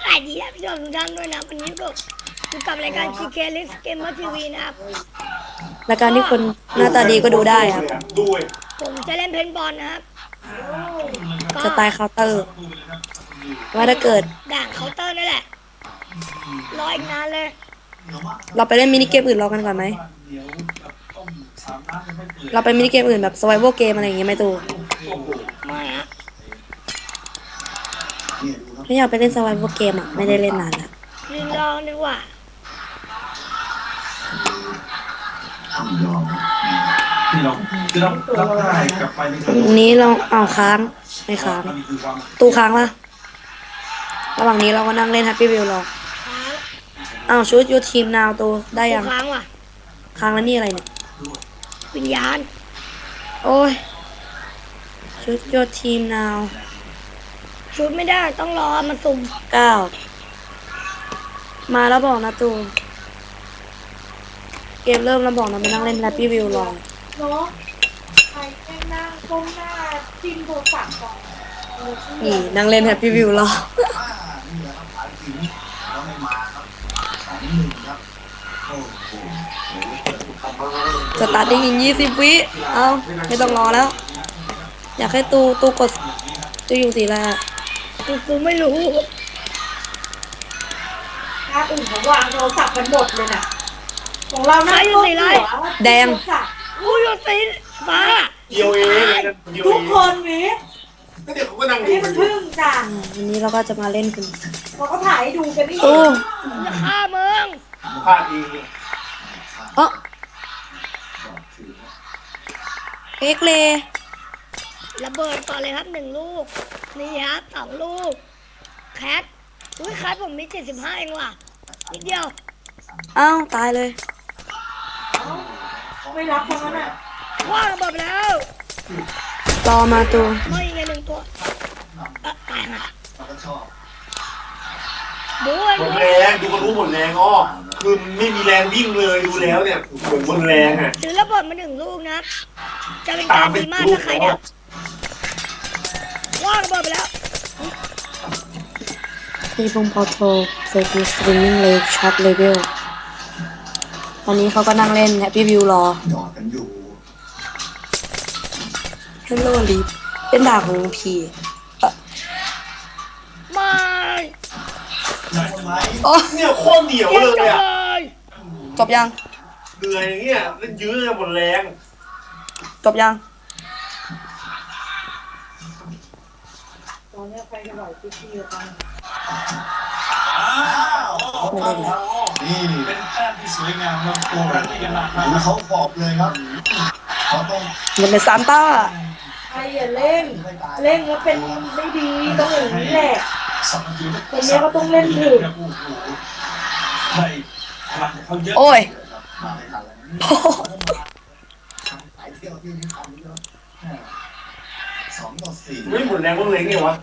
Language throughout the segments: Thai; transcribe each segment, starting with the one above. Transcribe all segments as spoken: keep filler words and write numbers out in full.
วัสดีครับพี่น้องทุกท่านด้วยนะวันนี้ก็อยู่กับรายการ ซี เค List Gamer ที วี นะครับรายการที่คนหน้าตาดีก็ดูได้ครับผมจะเล่นเพนบอลนะครับสไตล์เคาน์เตอร์ว่าถ้าเกิดด่างเคาน์เตอร์นั่นแหละรออีกนานเลยเราไปเล่นมินิเกมอื่นรอกันก่อนไหมเราไปมินิเกมอื่นแบบ survival game อะไรอย่างเงี้ยไหมตูไม่ฮะไม่อยากไปเล่น survival game อ่ะไม่ได้เล่นนานแล้วลินลองดีกว่าที่เราที่เรารับได้กลับไปในตรงนี้เราเอาค้างไม่ค้างตู้ค้างปะระหว่างนี้เราก็นั่งเล่น Happy Wheel รอค้างอ้าวชุดยูทีมนาวตัวได้ยังค้างว่ะค้างแล้วนี่อะไรเนี่ยวิญญาณโอ้ยชุดยูทีมนาวชุดไม่ได้ต้องรอมันสุ่มเก้ามาแล้วบอกนะตูเกมเริ่มแล้วบอกนะไปนั่งเล่น Happy Wheel รอเนาะใครแค่นั่งก้มหน้าจิ้มโทรศัพท์ก่อนนี่นั่งเล่น Happy Wheel รอสตาร์ทอีกยี่สิบวิเอาไม่ต้องรอแล้วอยากให้ตูตูกดตูอยู่สีอะไรอ่ะกูกูไม่รู้ถ้าอื่นเขาวางโทรศัพท์กันหมดเลยน่ะของเรานั่งอยู่สีอะไรแดงกูอยู่สีฟ้าเดียวเองทุกคนวิก็เดี๋ยวเขาก็นั่งดูมันพึ่งจ้ะวันนี้เราก็จะมาเล่นกันเราก็ถ่ายให้ดูกันนี่โอ้จะฆ่ามึงพลาดเองเออเอ็กเลระเบิดก่อนเลยครับหนึ่งลูกนี่ครับสองลูกแคทอุ้ยแคทผมมีเจ็ดสิบห้าเองว่ะนิดเดียวอ้าวตายเลยไม่รับทั้งนั้นอ่ะว่างระเบิดแล้วรอมาตัวไม่ยังไงหนึ่งตัวตายห่ะดูหมดแรงดูก็รู้หมดแรงอ้อคือมันไม่มีแรงวิ่งเลยดูแล้วเนี่ยเหมือนหมดแรงอ่ะถือระเบิดมาหนึ่งลูกนะจะเป็นการดีมากถ้าใครเนี่ยว่างระเบิดไปแล้วที่พงพอโทรเซอร์กิสตรีมมิ่งเลคช็อตเลเวลตอนนี้เขาก็นั่งเล่น Happy View รอฮัลโหลลีฟเป็นด่าของพีไม่โอ้เนี่ยโคตรเหนียวเลยอ่ะจบยังเหนื่อยอย่างเงี้ยเล่นยื้อหมดแรงจบยังตอนนี้ไปกันหน่อยพี่ๆกันไม่ได้เลยนี่เป็นแต้มที่สวยงามมากโอ้ยดูเขาขอบเลยครับเขาต้องมันเป็นซานต้าใครอย่าเล่นเล่นแล้วเป็นไม่ดีต้องอย่างนี้แหละคนนี้ก็ต้องเล่นถึงโอ้ยไม่หมดแรงก็เล็งไงวะ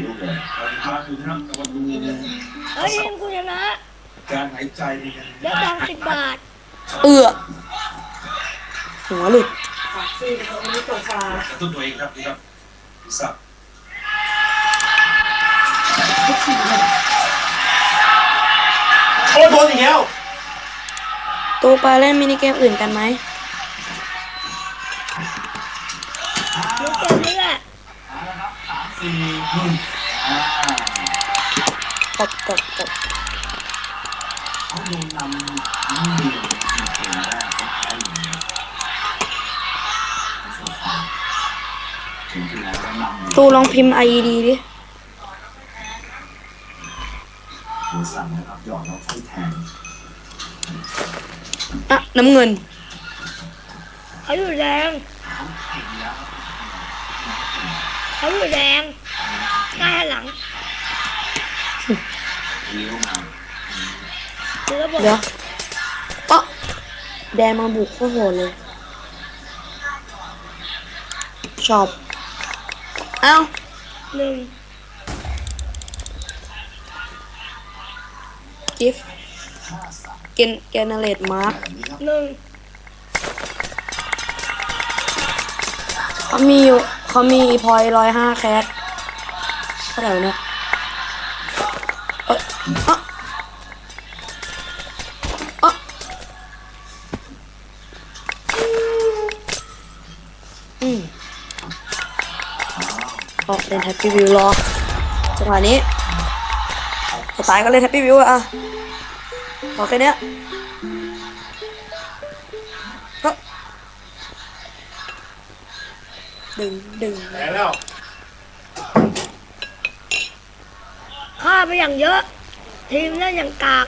เฮ้ยกูชนะการหายใจได้ตังค์สิบบาทเอือหัวหลุดสี่คนนี้ตัวฟ้าตัวตัวเองครับครับสับโอ้โดนอีกแล้วตัวไปเล่นมินิเกมอื่นกันไหมมินิเกมนี้แหละตบตบตบตูลองพิมพ์ ไอ อี ดี ดิอ่ะน้ำเงินเขาอยู่แดงเขาอยู่แดงใกล้หลังเดี๋ยวเดี๋ยวอ๊ะแดงมาบุกโคตรโหดเลยชอบเอ้าหนึ่งกิฟเกนเกนเนเรตมาร์คหนึ่งเขามีอยู่เขามีพอยร้อยห้าแคสเท่าไหร่เนี่ยเอ้ยอ่ะอ่ะอืมออกเล่นแฮปปี้วิวรอจังหวะนี้สไตล์ก็เล่นแฮปปี้วิวอะพอแค่เนี้ยก็ดึงดึงแพ้แล้วฆ่าไปอย่างเยอะ ทีมเล่นอย่างกาก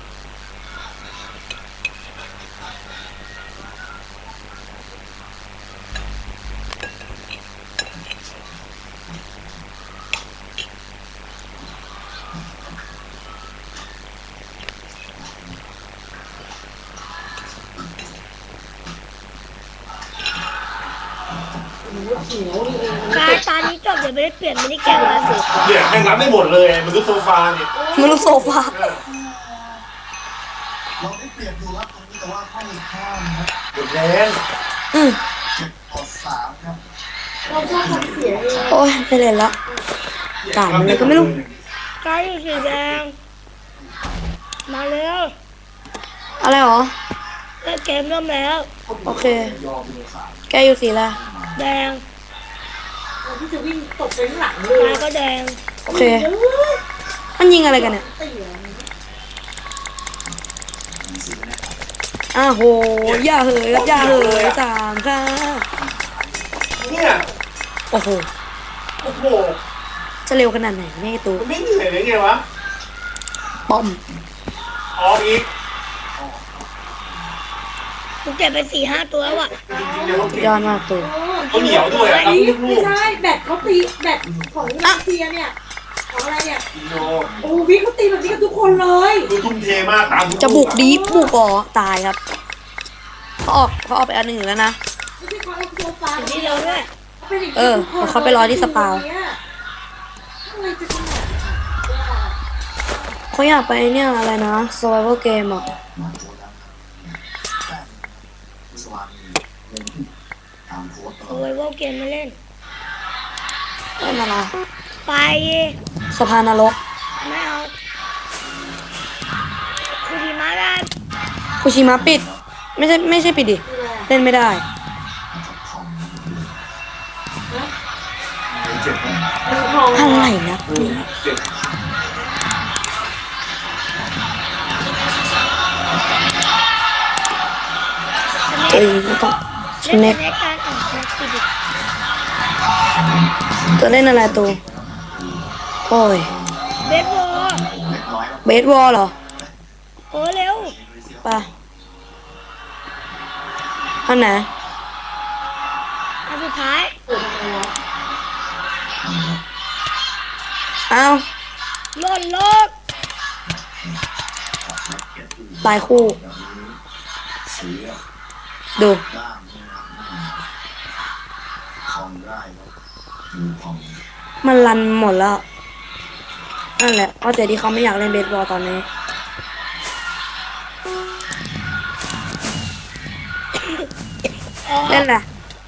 กายตอนนี้จบเดี๋ยวไม่ได้เปลี่ยนมินิเกมแล้วสิเนี่ยแม่งรับได้หมดเลยมันก็โซฟาเนี่ยไม่รู้โซฟาเราได้เปรียบดูครับตรงนี้แต่ว่าไม่ข้ามครับหมดแรงอืมเจ็ดต่อสามครับเราชอบทำเสียเองโอ้ยไม่เล่นละกาดมันเลยก็ไม่รู้กายอยู่สีแดง มาเร็วอะไรหรอเล่นเกมเริ่มแล้วโอเค แกอยู่สีอะไรแดงเราที่จะวิ่งตกไปข้างหลังเลกาย ยก็แดงโอเค มันยิงอะไรกันเนี่ยเสียอ้าวโห อย่าเหยครับอย่าเหยสามค่ะเนี่ยโอ้โหโอ้โหจะเร็วขนาดไหนเนี่ยไอ้ตูมันไม่เหนื่อยเลยไงวะป้อมออกอีกกูเก็บไปสี่ห้าตัวแล้วอ่ะจริงๆเนี่ยเขาสุดยอดมากตูเขาเหนียวด้วยอะครับนี่ลูไม่กใช่แบตเขาตีแบตของรัสเซียเนี่ยของอะไรเนี่ยๆโนโอ้วิเขาตีแบบนี้กับทุกคนเลยคือทุ่มเทมากตามทุจะบุกดีบุกอ๋อตายครับเขาออกเขาออกไปอันหนึ่งอยู่แล้วนะไม่ใช่เขาเอาโซฟาถึงที่เราด้วยเขาเป็นอย่างนี้เออทุกคนเขาไปรอที่สปาอะไรจะขนาดนั้นเขาอยากไปเนี่ยอะไรนะ survival game อ่ะโอ้ยว่าเกมไม่เล่นเล่นอะไรไปสะพานนรกไม่เอาคือดีมากเลยคุชิมะปิด ไม่ใช่ไม่ใช่ปิดดิ เล่นไม่ได้เจ็บนะอะไรนะเจ็บเอ้ยไม่ต้องเล่นเน็กในการอ่านแท็กซี่ดิตัวเล่นอะไรตัวโอ้ยเบสบอลเบสบอลเหรอโอ้เร็วไปอันไหนอันสุดท้ายอ้าวหล่นโลกตายคู่ ดู มันรันหมดแล้ว นั่นแหละก็แต่ที่เขาไม่อยากเล่นเบสบอลตอนนี้ เล่นแหละ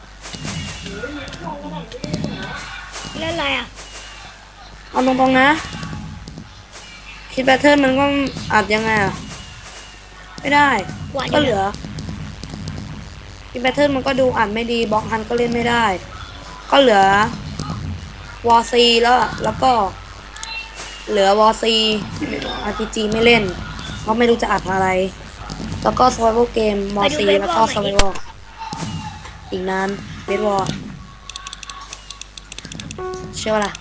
เล่นอะไรอ่ะเอาตรงๆนะ คิดแบทเทิลมันก็อัดยังไงอ่ะ ไม่ได้กว่าก็จะเหลือคิดแบทเทิลมันก็ดูอัดไม่ดีบล็อกฮันก็เล่นไม่ได้ ก็เหลือวอซีแล้วแล้วก็ เหลือวอซีอาร์พีจีไม่เล่นเพราะไม่รู้จะอัดอะไร แล้วก็ survival game วอซีแล้วก็ survival อีกนานเบสบอลเชื่อว่าล่ะ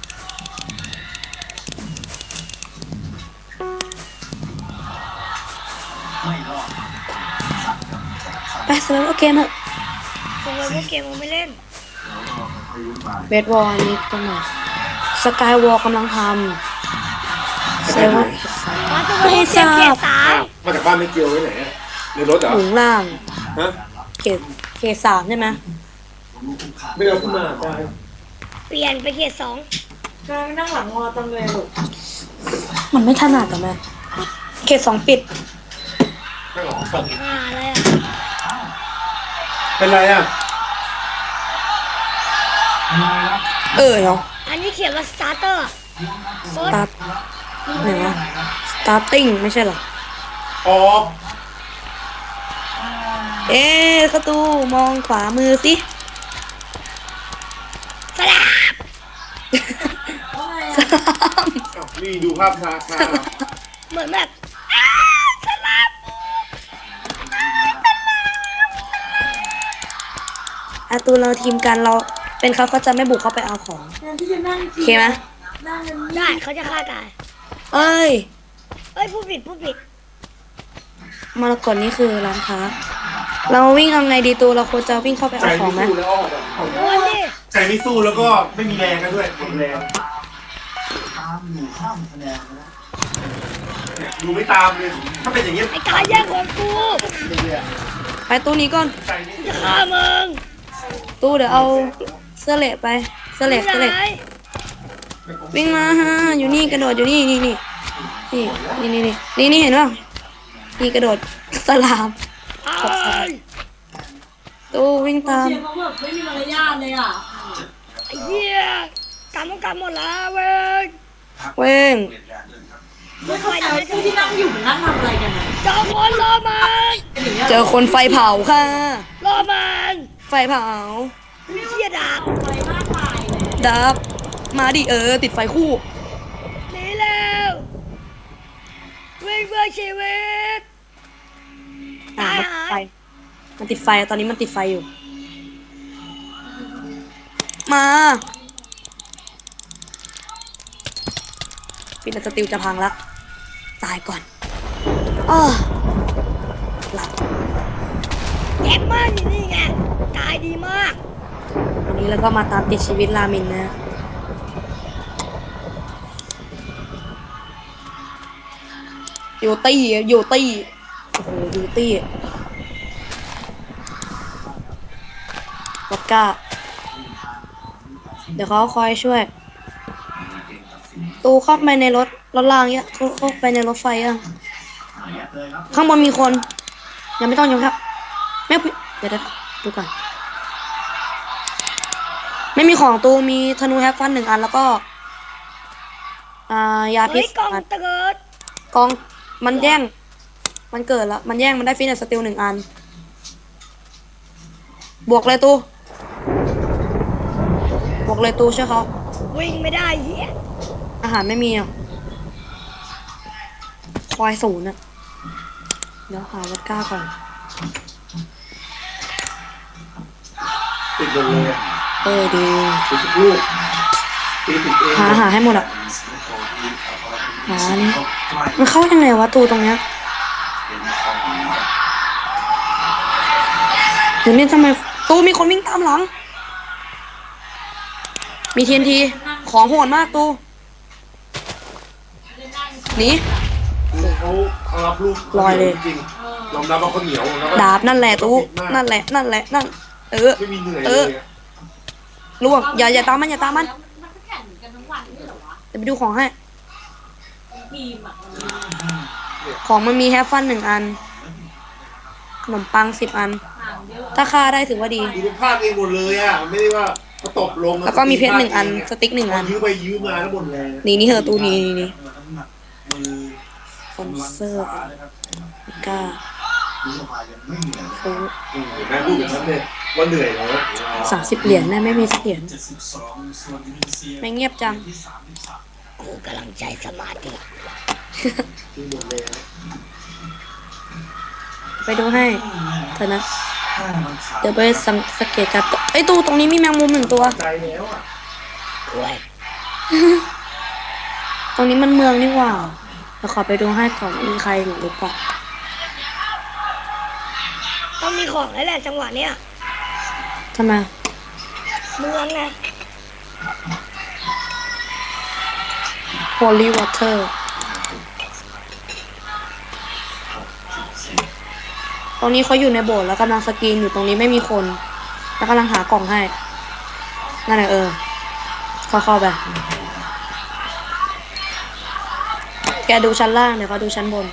ไป survival game เถอะโอ้ยว่าเกมมันไม่เล่นเบสบอลนี่ตรงไหนสกายวอลกำลังทำเซเว่นมาตัวไม่เกทรามเกียบร์สามมาจากบ้านไม่เกี่ยวไว้ไหนอะในรถเหรอหมุนล่างฮะเขตเขตสามใช่ไหมไม่เอาขึ้นมาได้เปลี่ยนไปเกียร์สองการนั่งหลังงอตังเลยลูกมันไม่ถนัดแต่แม่เขตสองปิดไม่หรอกอ่าอะไรอ่ะเป็นไรอ่ะเออเนาะอันนี้เขียนว่าสตาร์เตอร์โค้ดตัดไหนวะส starting ไม่ใช่เหรอออกเอ๊ะกระตูมองขวามือสิสลับอ้าวนี่ดูภาพช้าช้าเหมือนแบบอ้าสลับอาตูนเราทีมกันเราเป็นเขาเขาจะไม่บุกเข้าไปเอาของแทนที่จะนั่งโอเคไหมนั่งกันได้เขาจะฆ่าตายเอ้ยเอ้ยผู้ผิดผู้ผิดมรกตนี่คือร้านค้า เราวิ่งเอาไงดีตูเราควรจะวิ่งเข้าไปใจเอาขอไม่งไหมสู้แล้วออกแบบโอ้ยดิใจไม่สู้แล้วก็ไม่มีแรงกันด้วยหมดแรงตามอยู่ข้ามคะแนนนะเนี่ยดูไม่ตามเลยถ้าเป็นอย่างเงี้ยไอ้กายแย่งของกูเรื่อยไปตู้นี้ก่อนใจไม่จะฆ่ามึงตู้เดี๋ยวเอาเสื้อเหละไปเสื้อเหละเสื้อเหละไหนวิ่งมาฮะอยู่นี่กระโดดอยู่นี่นี่นี่นี่นี่นี่นี่นี่เห็นป่ะนี่กระโดดสลามเอ้ยตู้วิ่งตามเชียร์เขาแบบไม่มีมารยาทเลยอ่ะไอ้เหี้ยกำต้องกำหมดแล้วเว้ยเว้งไม่เข้าใจว่าที่นั่งอยู่มันนั่งทำอะไรกันนะเจอคนรอมันเจอคนไฟเผาค่ะรอมันไฟเผามีเหี้ยดาบไฟมากมายเลยดับมาดิเออติดไฟคู่หนีแล้ววิ่งเพื่อชีวิตอ่ะตายมันหาติดไฟยมันติดไฟตอนนี้มันติดไฟอยู่ มาปิดสติลจะพังละตายก่อนอ้อหลับแย่มากอยู่นี่ไงตายดีมากวันนี้เราก็มาตามติดชีวิตรามินนะอยู่ตี้อยู่ตี้โอ้โหอยู่ตี้วอดก้า เดี๋ยวเขาคอยช่วย ตูเข้าไปในรถรถรางเนี่ยเขาเข้าไปในรถไฟยังข้างบนมีคน ยังไม่ต้องยังครับไม่เดี๋ยวเดี๋ยวดูก่อน ไม่มีของตูมีธนูแฮปฟันหนึ่งอันแล้วก็ อ่ายาพิเฮ้ษยกล่องอันเติร์ดกองมันแย่ง มันเกิดแล้ว มันแย่งมันได้ฟินแอนด์สติลหนึ่งอัน บวกเลยตูบวกเลยตูใช่วยเขาวิ่งไม่ได้เหี้ยอาหารไม่มีอ่ะควายศูนย์อ่ะ เดี๋ยวหาวัดก้าก่อนติดหมดเลยอะเออดีติดทุกลูกตีติดเองหาหาให้หมดอ่ะ หานี่มันเข้ายังไงวะตูตรงเนี้ยเดี๋ยวนี้ทำไมตูมีคนวิ่งตามหลัง มีทีนที ของโหดมากตูหนีเขาเขารับลูกลอยเลยจริงๆยอมรับว่าเขาเหนียวแล้วก็ดาบนั่นแหละตูนั่นแหละ นั่นแหละ นั่น เออไม่มีเหนื่อยเอเลอยอะล่วงอย่าอย่าตามมันอย่าตามมันมันก็แข่งกันทั้งวันนี่เหรอวะเดี๋ยวไปดูของให้ทีมอ่ะของมันมีแฮฟฟันหนึ่งอัน ขนมปังสิบอันห่างเยอะถ้าฆ่าได้ถือว่าดีดูเป็นภาพเองหมดเลยอ่ะไม่ได้ว่าเขาตบลงแล้วก็มีเพชรหนึ่งอัน สติ๊กหนึ่งอันยื้อไปยื้อมาแล้วหมดแรงนี่นี่เหอะตูนี่นี่นี่มือสปอนเซอร์กล้าดูสบายยังไม่เหนื่อยเลยโอ้อืมเห็นไหมพูดอย่างนั้นเลยว่าเหนื่อยแล้วสามสิบเหรียญนะไม่มีสักเหรียญเจ็ดสิบสองส่วนอินโดนีเซียไม่เงียบจังที่สามสิบสามกูกำลังใจสมาธิคือหมดแรงไปดูให้เถอะนะห้ามันขาดเดี๋ยวไปสังสังเกตการณ์ตัวไอ้ยตูตรงนี้มีแมงมุมหนึ่งตัวใจแล้วอ่ะกล้วยตรงนี้มันเมืองนี่หว่าเดี๋ยวขอไปดูให้ก่อนมีใครอยู่หรือเปล่าต้องมีของแล้วแหละจังหวะเนี้ยทำไมเมืองนะ Holy Water ตรงนี้เขาอยู่ในโบสถ์แล้วกำลังสกรีนอยู่ตรงนี้ไม่มีคน แล้วกำลังหากล่องให้ นั่นแหละเออ เข้าเข้าไป แกดูชั้นล่างเดี๋ยวเขาดูชั้นบน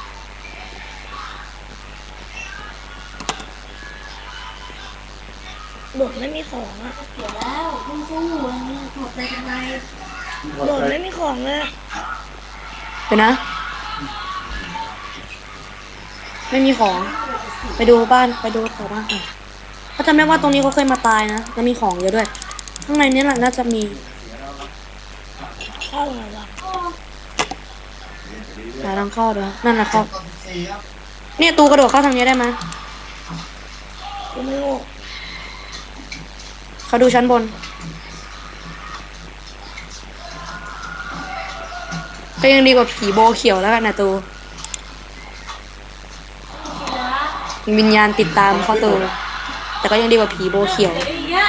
โดดไม่มีของอะเดี๋ยวแล้วต้องสู้มันหมดใจกันไงโดดไม่มีของเลยเดี๋ยวนะไม่มีของ ไปดูบ้านไปดูแถวบ้านก่อนเขาจำได้ว่าตรงนี้เขาเคยมาตายนะแล้วมีของเยอะด้วย ข้างในนี้แหละน่าจะมีเข้าไงวะหาทางเข้าด้วยนั่นแหละเข้าตอนสี่ครับเนี่ยตูกระโดดเข้าทางนี้ได้ไหมกูไม่โง่เขาดูชั้นบนก็ยังดีกว่าผีโบเขียวแล้วกันนะตูวิญญาณติดตามเข้าตูแต่ก็ยังดีกว่าผีโบเขียวเดี๋ยวอย่างเงี้ย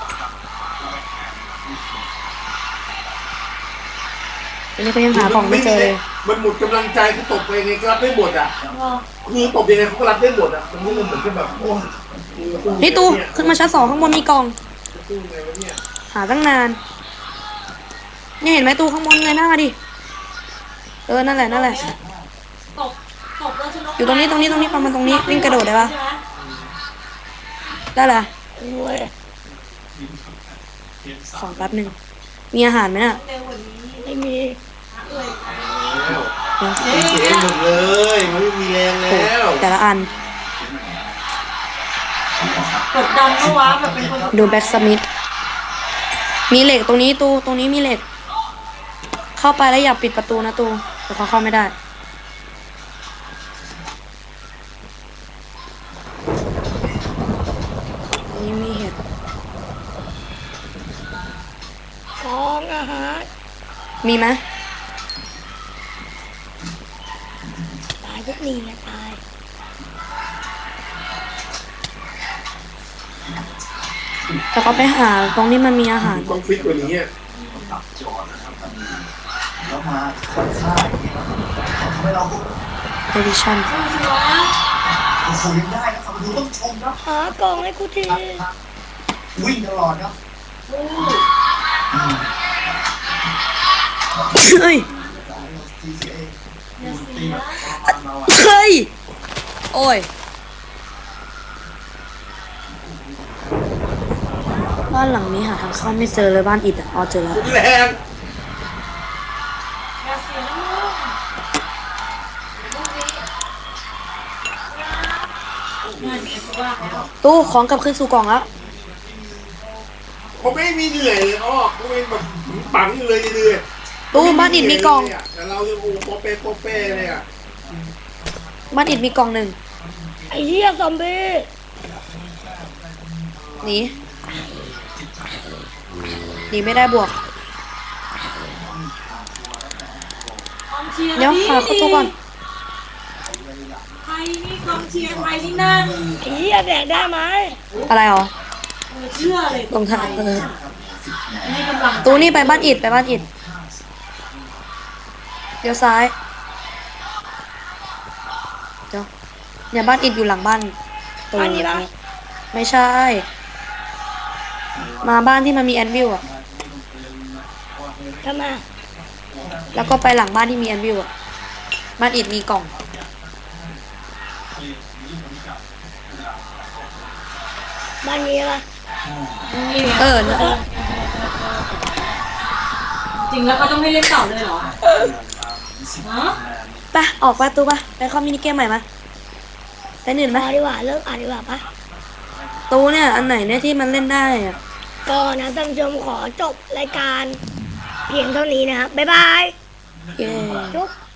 อันนี้ก็ยังหาของไม่เจอเลยมันหมดกำลังใจคือตบไปยังไงก็รับได้หมดอ่ะคือตบยังไงเขาก็รับได้หมดอ่ะมันไม่เหมือนกับแบบโอ้ยนี่ตูขึ้นมาชั้นสองข้างบนมีกล่องสู้ไงวะเนี่ยหาตั้งนานเนี่ยเห็นไหมตูข้างบนไงหน้าดิเออนั่นแหละนั่นแหละตบตบแล้วชนกอยู่ตรงนี้ตรงนี้ตรงนี้ประมาณตรงนี้วิ่งกระโดดได้ปะใช่หมได้ละโอ้ยของแป๊บหนึ่งมีอาหารไหมน่ะเร็วกว่านี้ไม่มีเอ่ยแล้วเจ๊หมดเลยมันไม่มีแรงโอ้แล้วแต่ละอันกดดันก็ว้าแบบเป็นคนดูแบ็กสมิธมีเหล็กตรงนี้ตูตรงนี้มีเหล็ก เข้าไปแล้วอย่าปิดประตูนะตูแต่เขาเข้าไม่ได้ตรงนี้มีเห็ดของอาหารมีไหมตายทุกนี่นะตายแต่เขาไปหาตรงนี้มันมีอาหารต้องฟิตกว่านี้อ่ะตับจอดนะครับแล้วมาค่อยฆ่าอย่างเงี้ยทำให้เราเอดิชั่นโอ้โหยังได้นะครับดูต้องชมครับหากล่องให้กูทีวิ่งตลอดครับเฮ้ยที ซี เอ ตีแบบเราอะเฮ้ย โอ้ย บ้านหลังนี้หาทางเข้าไม่เจอเลยบ้านอิฐอ่ะอ๋อเจอแล้วแรงอย่าเสียน้ำมูกเงินเก็บว่าแล้วตู้ของกลับขึ้นสู่กล่องแล้วเขาไม่มีเหนื่อยเลยอ้อเขาเป็นแบบปังอยู่เลยเหนื่อยตู้บ้านอิฐมีกล่องแต่เราจะโอ้โปเป้โปเป้เลยอ่ะบ้านอิฐมีกล่องหนึ่งไอ้เหี้ยซอมบี้หนีหนีไม่ได้บวกกองเชียร์เดี๋ยวหาประตูก่อนใครนี่กองเชียร์ใครนี่นั่งไอ้เหี้ยแดกได้ไหมอะไรหรอเออเชื่อเลยตรงทางเออให้กำลังใจตู้นี่ไปบ้านอิฐไปบ้านอิฐเดี๋ยวซ้ายเดี๋ยวเนี่ยบ้านอิฐอยู่หลังบ้านตู้อันนี้ปะไม่ใช่ มาบ้านที่มันมีแอนวิลอะทำไมแล้วก็ไปหลังบ้านที่มีแอนวิลอะบ้านอิฐมีกล่องบ้านนี้ปะเออจริงแล้วเขาต้องให้เล่นต่อเลยเหรอฮะไปออกประตูปะไปเข้ามินิเกมใหม่มาไปหนึ่งไหพมอดีกว่าเลิกอ่านดีกว่าปะตู้เนี่ยอันไหนเนี่ยที่มันเล่นได้อะก็นะท่านผู้ชมขอจบรายการเพียงเท่านี้นะครับ บ๊ายบายเย้จุ๊บ